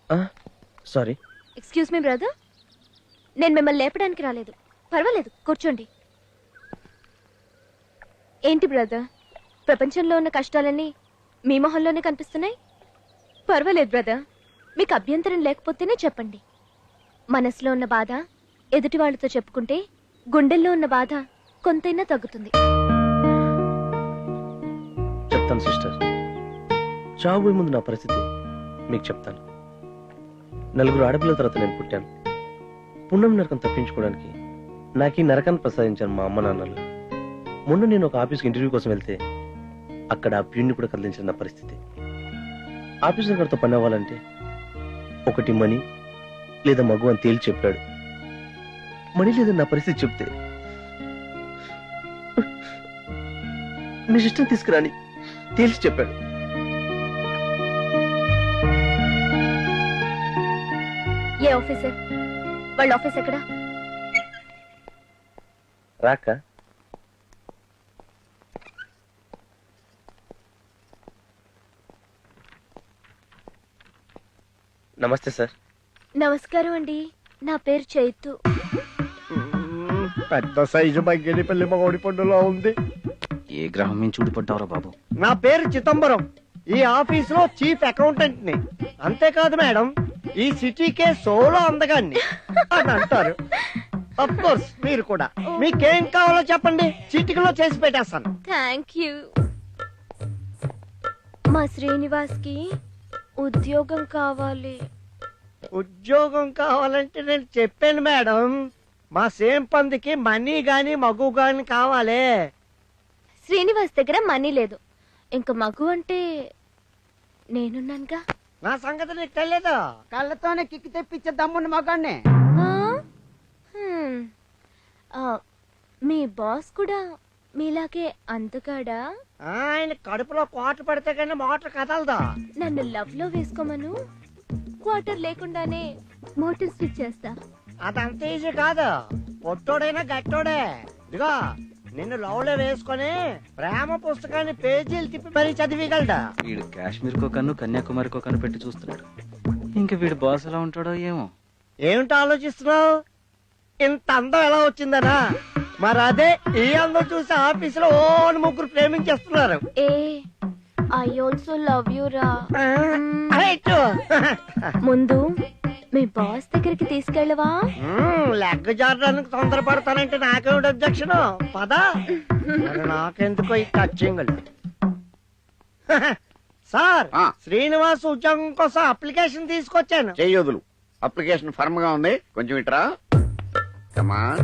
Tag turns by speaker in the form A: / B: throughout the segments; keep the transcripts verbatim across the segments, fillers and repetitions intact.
A: Sorry.
B: Excuse me brother, నేను మిమ్మల్ని లేపడానికి రాలేదు. పర్వాలేదు, కూర్చోండి. ఏంటి బ్రదర్, ప్రపంచంలో ఉన్న కష్టాలన్నీ మీ మొహంలోనే కనిపిస్తున్నాయి? పర్వాలేదు బ్రదర్, మీకు అభ్యంతరం లేకపోతేనే చెప్పండి. మనసులో ఉన్న బాధ ఎదుటి వాళ్ళతో చెప్పుకుంటే గుండెల్లో ఉన్న బాధ కొంతైనా తగ్గుతుంది.
A: చెప్తాను సిస్టర్. చావు ముందు నా పరిస్థితి మీకు చెప్తాను. నలుగురు ఆడపిల్లల తర్వాత నేను పుట్టాను. పుణ్యం నరకం తప్పించుకోవడానికి నాకు ఈ నరకాన్ని ప్రసాదించాను మా అమ్మ నాన్నలు. మొన్న నేను ఒక ఆఫీస్కి ఇంటర్వ్యూ కోసం వెళ్తే అక్కడ ఆ ప్యూన్ని కూడా కదిలించిన నా పరిస్థితి. ఆఫీసర్ గారితో పని అవ్వాలంటే ఒకటి మనీ లేదా మగు అని తేల్చి చెప్పాడు. మనీ లేదా నా పరిస్థితి చెప్తే మీ సిస్టమ్ తీసుకురాని తేల్చి చెప్పాడు.
B: ఏ ఆఫీసర్? వాళ్ళ ఆఫీస్ ఎక్కడా?
A: రాక నమస్తే సార్.
B: నమస్కారం అండి, నా పేరు చైతు.
C: పెద్ద సైజు బగ్గెడి పెళ్లి మగోడి పండులో ఉంది.
D: ఏ గ్రహం నుంచి ఊడిపడ్డావురా బాబు?
C: నా పేరు చిదంబరం, ఈ ఆఫీస్ లో చీఫ్ అకౌంటెంట్ ని. అంతేకాదు మేడం, ఈ సిటీకే సోలో అందగాన్ని అని అంటారు. అఫ్ కోర్స్ మీరు కూడా. మీకేం కావాలో చెప్పండి, చిటికలో చేసి పెట్టేస్తాను.
B: Thank you. మా శ్రీనివాస్ కి ఉద్యోగం కావాలి.
C: ఉద్యోగం కావాలంటే నేను చెప్పాను మేడం, మా సేమ్ పందికి మనీ గాని మగు గాని కావాలి.
B: శ్రీనివాస్ దగ్గర మనీ లేదు, ఇంకా మగు అంటే నేనున్నానుగా.
C: నా సంగతి నీకు తెలియదు.
E: కళ్ళతోనే కిక్కి తెప్పించే దమ్మున్న మగాన్ని.
B: ఆ? హ్మ్. ఆ, మీ బాస్ కూడా మీలాగే అందగాడా?
C: ఆయన కడుపులో కోట పడితే కానీ మోటార్ కదలదా.
B: నన్ను లవ్ లో వేసుకోమను, క్వార్టర్ లేకుండానే మోటార్ స్విచ్ చేస్తా.
C: అదంత ఈజీ కాదు. పొట్టోడైనా గట్టోడే. ఇదిగో నిన్ను లవ్లో వేసుకొని ప్రేమ పుస్తకాన్ని పేజీలు తిప్పి మరీ చదివిగలడా.
D: వీడు కాశ్మీర్ కో కన్ను కన్యాకుమారి కో కన్ను పెట్టి చూస్తున్నాడు. ఇంకా వీడు బాస్ ఎలా ఉంటాడో ఏమో.
C: ఏమిటి ఆలోచిస్తున్నావు? ఇంత అందం ఎలా వచ్చిందనా? మరి అదే ఈ అందం చూసి ఆఫీసులో ఓన్ ముగ్గురు ప్రేమించేస్తున్నారు.
B: ఏ ఐ ఆల్సో లవ్ యూ రా.
C: రైట్.
B: ముందు మీ బాస్ దగ్గరికి తీసుకెళ్ళవా?
C: Leg జారడానికి తొందరపడతానంటే నాకేమిటి objection? పదా. మరి నాకెందుకో ఈ టచింగ్. సార్, శ్రీనివాస్ ఉద్యోగం కోసం అప్లికేషన్ తీసుకొచ్చాను.
F: చెయ్యొదులు. అప్లికేషన్ ఫర్మ్ గా ఉంది, కొంచెం ఇట్రా. కమాన్.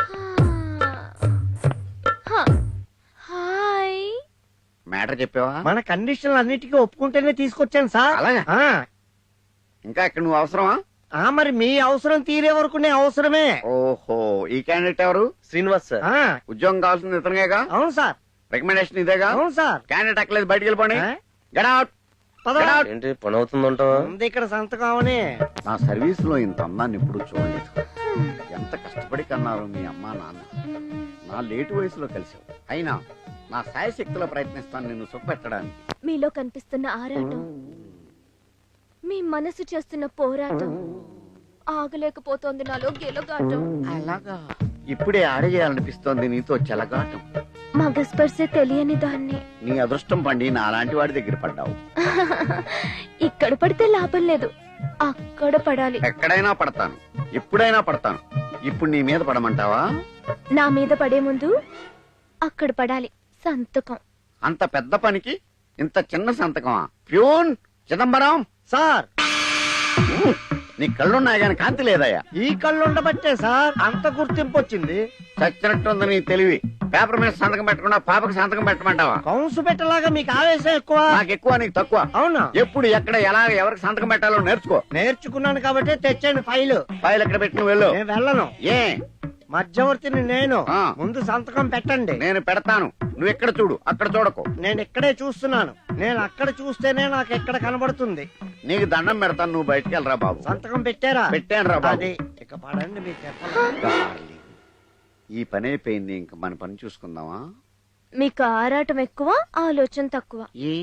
B: హాయ్.
F: మ్యాటర్ చెప్పావా?
C: మన కండిషన్లు అన్నిటికీ ఒప్పుకుంటేనే తీసుకొచ్చాను సార్.
F: అలాగా? ఇంకా ఇక్కడ నువ్వు అవసరమా?
C: ఆ మరి మీ అవసరం తీరే వరకు నేను అవసరమే.
F: ఓహో, ఈ క్యాండిడేట్ ఎవరు?
A: శ్రీనివాస్ సార్.
F: ఉద్యోగం కావాల్సింది ఇతనిగా?
C: అవును సార్.
F: రికమెండేషన్ ఇదేగా?
C: అవును సార్.
F: క్యాండిడేట్ అక్కలేదు, బయటికి వెళ్ళిపోండి. Get out.
A: ఏంటి పని అవుతుందంటావా?
C: ఉంది ఇక్కడ సంతకం అవని.
F: నా సర్వీస్ లో ఇంత అందాన్ని ఎప్పుడు చూడలేదు. ఎంత కష్టపడి కన్నారు మీ అమ్మా నాన్న. నా లేటు వయసులో కలిసావు. అయినా నా శాయశక్తిలో ప్రయత్నిస్తాను నిన్ను సుఖపెట్టడానికి.
B: మీలో కనిపిస్తున్న ఆరాటం, మీ మనసు చేస్తున్న పోరాటం ఆగలేకపోతోంది నాలో గెలుగాటం.
F: అలాగా? ఇప్పుడే ఆడేయాలనిపిస్తోంది నీతో చెలగాటం.
B: మగ స్పర్శే తెలియని దాన్ని.
F: నీ అదృష్టం పండి నా అలాంటి వాడి దగ్గర పడ్డావు.
B: ఇక్కడ పడితే లాభం లేదు, అక్కడ పడాలి.
F: ఎక్కడైనా పడతాను, ఎప్పుడైనా పడతాను. ఇప్పుడు నీ మీద పడమంటావా?
B: నా మీద పడే ముందు అక్కడ పడాలి. సంతకం.
F: అంత పెద్ద పనికి ఇంత చిన్న సంతకమా? ప్యూన్ చిదంబరం
C: సార్,
F: నీ కళ్ళున్నాయి గాని కాంతి లేదయ్యా.
C: ఈ కళ్ళు ఉండబట్టే సార్ అంత గుర్తింపు వచ్చింది.
F: చచ్చినట్టుంది నీ తెలివి. పేపర్ మీద సంతకం పెట్టకుండా పాపకు సంతకం పెట్టమంటావా?
C: కౌన్సు పెట్టలాగా మీకు ఆవేశం ఎక్కువ.
F: నాకు ఎక్కువ, నీకు తక్కువ.
C: అవునా?
F: ఎప్పుడు ఎక్కడ ఎలా ఎవరికి సంతకం పెట్టాలో నేర్చుకో.
C: నేర్చుకున్నాను కాబట్టి తెచ్చాను ఫైలు.
F: ఫైల్ ఎక్కడ పెట్టి నువ్వు వెళ్ళు.
C: నేను వెళ్ళను.
F: ఏ
C: మధ్యవర్తిని నేను.
F: ఆ.
C: ముందు సంతకం పెట్టండి.
F: నేను పెడతాను, నువ్వు ఎక్కడ చూడు, అక్కడ చూడకు.
C: నేను ఇక్కడే చూస్తున్నాను. నేను అక్కడ చూస్తేనే నాకు ఎక్కడ కనబడుతుంది.
F: నీకు దండం పెడతాను, నువ్వు బయటికి వెళ్ళరా బాబు.
C: సంతకం పెట్టారా?
F: పెట్టాను రా బాబు.
C: అది ఇక పడండి మీ చెప్పాలి.
F: డార్లింగ్, ఈ పని అయిపోయింది, ఇంక మన పని చూసుకుందామా?
B: మీకు ఆరాటం ఎక్కువ, ఆలోచన తక్కువ.
F: ఏ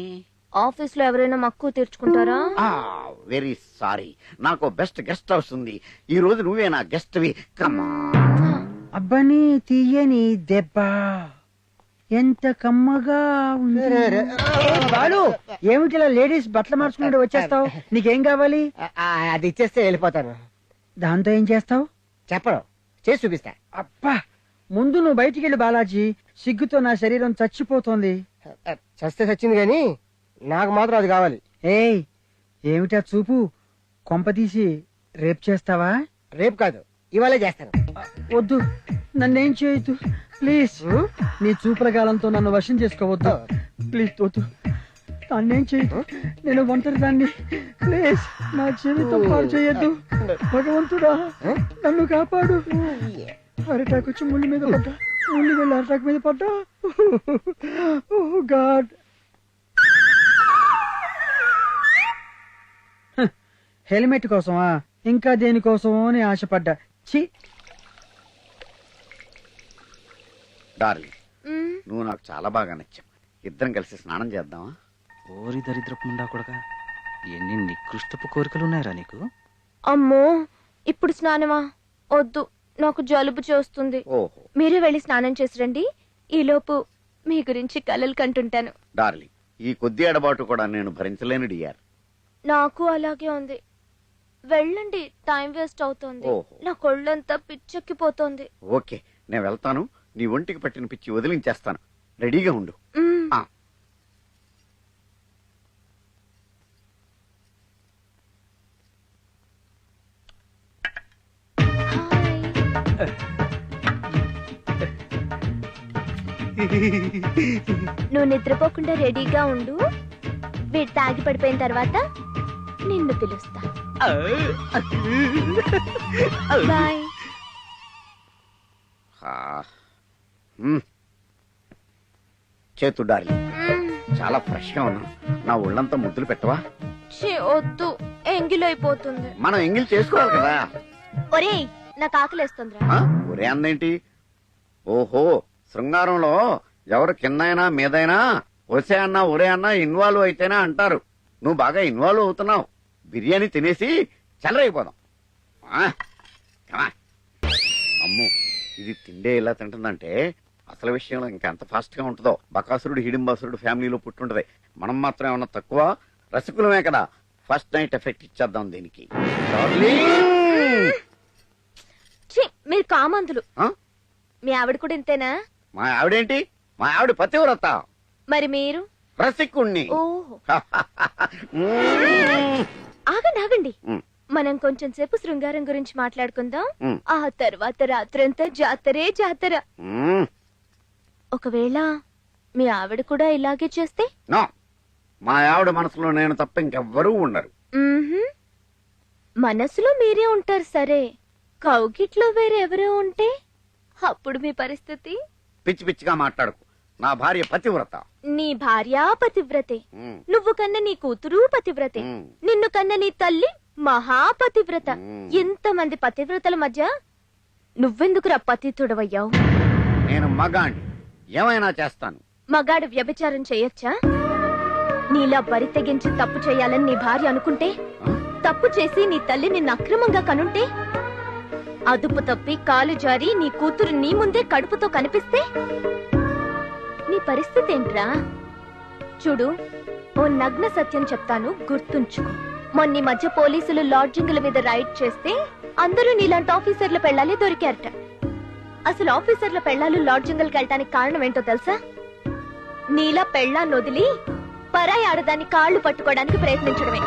B: ఆఫీస్ లో ఎవరైనా మక్కువ తీర్చుకుంటారా?
F: వెరీ సారీ, నాకు బెస్ట్ గెస్ట్ హౌస్ ఉంది. ఈ రోజు నువ్వే నా గెస్ట్ వి. కమా
E: అబ్బని తీయని దెబ్బ ఎంత కమ్మగా ఉంది. బాలు ఏమిటిలా లేడీస్ బట్టలు మార్చుకుంటూ వచ్చేస్తావు? నీకేం కావాలి?
C: అది ఇచ్చేస్తే వెళ్ళిపోతాను.
E: దాంతో ఏం చేస్తావు?
C: చెప్పడం చేసి చూపిస్తా.
E: అబ్బా ముందు నువ్వు బయటికి వెళ్ళి బాలాజీ, సిగ్గుతో నా శరీరం చచ్చిపోతోంది.
C: చస్తే చచ్చింది కానీ నాకు మాత్రం అది కావాలి.
E: ఏయ్ ఏమిటా చూపు? కొంపతీసి రేప్ చేస్తావా?
C: రేపు కాదు, ఇవాళే చేస్తాను.
E: వద్దు, నన్నేం చేయొద్దు ప్లీజ్. నీ చూపుల కాలంతో నన్ను వశం చేసుకోవద్దు ప్లీజ్. వద్దు, నన్నేం చేయొద్దు, నేను ఒంటరి దాన్ని. ప్లీజ్ నా జీవితం పాడు చేయొద్దు. భగవంతుడా నన్ను కాపాడు. అరటాకు వచ్చి ముళ్ళు మీద పడ్డా, ముళ్ళు వెళ్ళి అరటాకు మీద పడ్డా. ఓ గాడ్. హెల్మెట్ కోసమా? ఇంకా దేనికోసమో అని ఆశపడ్డా. ఛీ.
F: డార్లింగ్,
B: మ్మ్.
F: నువ్వు నాకు చాలా బాగా నచ్చావు. ఇద్దరం కలిసి స్నానం చేద్దామా?
D: ఓరి దరిద్రపు ముండా కొడక, ఎన్ని నికృష్టపు కోరికలు ఉన్నాయరా నీకు?
B: అమ్మో ఇప్పుడు స్నానమా? వద్దు, నాకు జలుబు చేస్తుంది.
F: ఓహో
B: మీరే వెళ్ళి స్నానం చేసి రండి. ఈలోపు మీ గురించి కలలు కంటుంటాను.
F: డార్లింగ్, ఈ కొద్ది ఎడబాటు కూడా నేను భరించలేను డియర్.
B: నాకు అలాగే ఉంది. వెళ్ళండి, టైం వేస్ట్ అవుతోంది.
F: ఓహో.
B: నా కొళ్ళంతా పిచ్చెక్కిపోతోంది.
F: ఓకే, నేను వెళ్తాను. నీ ఒంటికి పట్టిన పిచ్చి వదిలించేస్తాను. రెడీగా ఉండు.
B: మ్మ్.
F: ఆ.
B: హాయ్. నువ్వు నిద్రపోకుండా రెడీగా ఉండు. వీడు తాగి పడిపోయిన తర్వాత నిన్ను పిలుస్తా. బాయ్.
F: ఆ. మ్మ్. చేతు డార్లింగ్,
B: మ్మ్.
F: చాలా ఫ్రెష్ గా ఉన్నాను. నా ఒళ్ళంతా ముద్దులు పెట్టవా?
B: ఛీ, వద్దు, ఎంగిలైపోతుంది.
F: మనం ఎంగిల్ చేసుకోవాలి కదా.
B: ఒరేయ్ నాకు ఆకలేస్తుందిరా.
F: ఆ? ఒరే అందేంటి? ఓహో, శృంగారంలో ఎవరు కిందైనా మీదైనా ఒసే అన్నా ఒరే అన్నా ఇన్వాల్వ్ అయితేనే అంటారు. నువ్వు బాగా ఇన్వాల్వ్ అవుతున్నావు. బిర్యానీ తినేసి చల్లరైపోదాం. ఆ? Come on. అమ్మో, ఇది తిండే ఇలా తింటుందంటే అసలు విషయంలో ఇంకా ఎంత ఫాస్ట్ గా ఉంటుందో. బకాసురుడు హిడింబాసురుడు ఫ్యామిలీలో పుట్టుంటది. మనం మాత్రం ఏమన్నా తక్కువ? రసికులమే కదా. ఫస్ట్ నైట్ ఎఫెక్ట్ ఇచ్చేద్దాం దీనికి.
B: ఛీ, మీరు కామంతులు.
F: ఆ?
B: మీ ఆవిడ కూడా ఇంతేనా?
F: మా ఆవిడేంటి? మా ఆవిడ పతివ్రత.
B: మరి మీరు?
F: రసికుణ్ణి.
B: ఓహో.
F: మ్మ్.
B: ఆగండి ఆగండి,
F: మ్మ్.
B: మనం కొంచెం సేపు శృంగారం గురించి మాట్లాడుకుందాం.
F: మ్మ్.
B: ఆ తర్వాత రాత్రంతా జాతరే జాతర.
F: మ్మ్.
B: ఒకవేళ మీ ఆవిడ కూడా ఇలాగే చేస్తే?
F: నో, మా ఆవిడ మనసులో నేను తప్ప ఇంకెవ్వరూ ఉండరు.
B: మ్మ్హ్మ్. మనసులో మీరే ఉంటారు సరే, కౌగిట్లో వేరెవరో ఉంటే అప్పుడు మీ పరిస్థితి?
F: పిచ్చి పిచ్చిగా మాట్లాడకు. నా భార్య పతివ్రత.
B: నీ భార్య పతివ్రతే,
F: మ్మ్.
B: నువ్వు కన్న నీ కూతురు పతివ్రతే,
F: మ్మ్.
B: నిన్ను కన్న నీ తల్లి మహాపతివ్రత.
F: మ్మ్.
B: ఎంతమంది పతివ్రతల మధ్య నువ్వెందుకురా పతితుడవయ్యావు?
F: నేను మగాణ్ణి, ఏమైనా చేస్తాను.
B: మగాడు వ్యభిచారం చేయొచ్చా? నీలా బరి తెగించి తప్పు చేయాలని నీ భార్య అనుకుంటే,
F: ఆ?
B: తప్పు చేసి నీ తల్లి నిన్ను అక్రమంగా కనుంటే, అదుపు తప్పి కాలు జారి నీ కూతురు నీ ముందే కడుపుతో కనిపిస్తే నీ పరిస్థితి ఏంట్రా? చూడు, ఓ నగ్న సత్యం చెప్తాను, గుర్తుంచుకో. మొన్న ఈ మధ్య పోలీసులు లాడ్జింగ్ల మీద రైడ్ చేస్తే అందరూ నీలాంటి ఆఫీసర్ల పెళ్ళాలే దొరికారట. అసలు ఆఫీసర్ల పెళ్ళాలు లాడ్జింగ్లకు వెళ్ళటానికి కారణం ఏంటో తెలుసా? నీలా పెళ్ళాన్ని వదిలి పరాయి ఆడదాన్ని కాళ్ళు పట్టుకోవడానికి ప్రయత్నించడమే.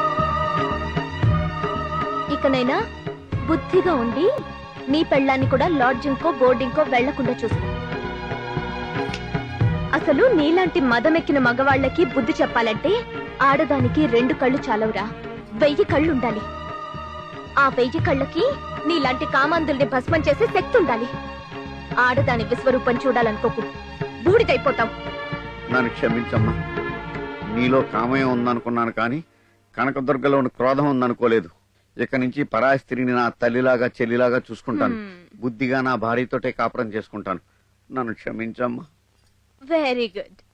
B: ఇకనైనా బుద్ధిగా ఉండి నీ పెళ్ళాన్ని కూడా లాడ్జింగ్ కో బోర్డింగ్ కో వెళ్లకుండా చూసుకో. అసలు నీలాంటి మదమెక్కిన మగవాళ్లకి బుద్ధి చెప్పాలంటే ఆడదానికి రెండు కళ్ళు చాలవురా, వెయ్యి కళ్ళు ఉండాలి. ఆ వెయ్యి కళ్ళకి నీలాంటి కామాంధుల్ని భస్మం చేసే శక్తి ఉండాలి. ఆడదాని విశ్వరూపం చూడాలనుకోకు, బూడిదైపోతావు.
F: నన్ను క్షమించమ్మా. నీలో కామయం ఉందనుకున్నాను కానీ కనకదుర్గలోని క్రోధం ఉందనుకోలేదు. ఇక నుంచి పరాయి స్త్రీని నా తల్లిలాగా చెల్లిలాగా చూసుకుంటాను. బుద్ధిగా నా భార్యతోటే కాపురం చేసుకుంటాను. నన్ను క్షమించమ్మా.
B: Very good.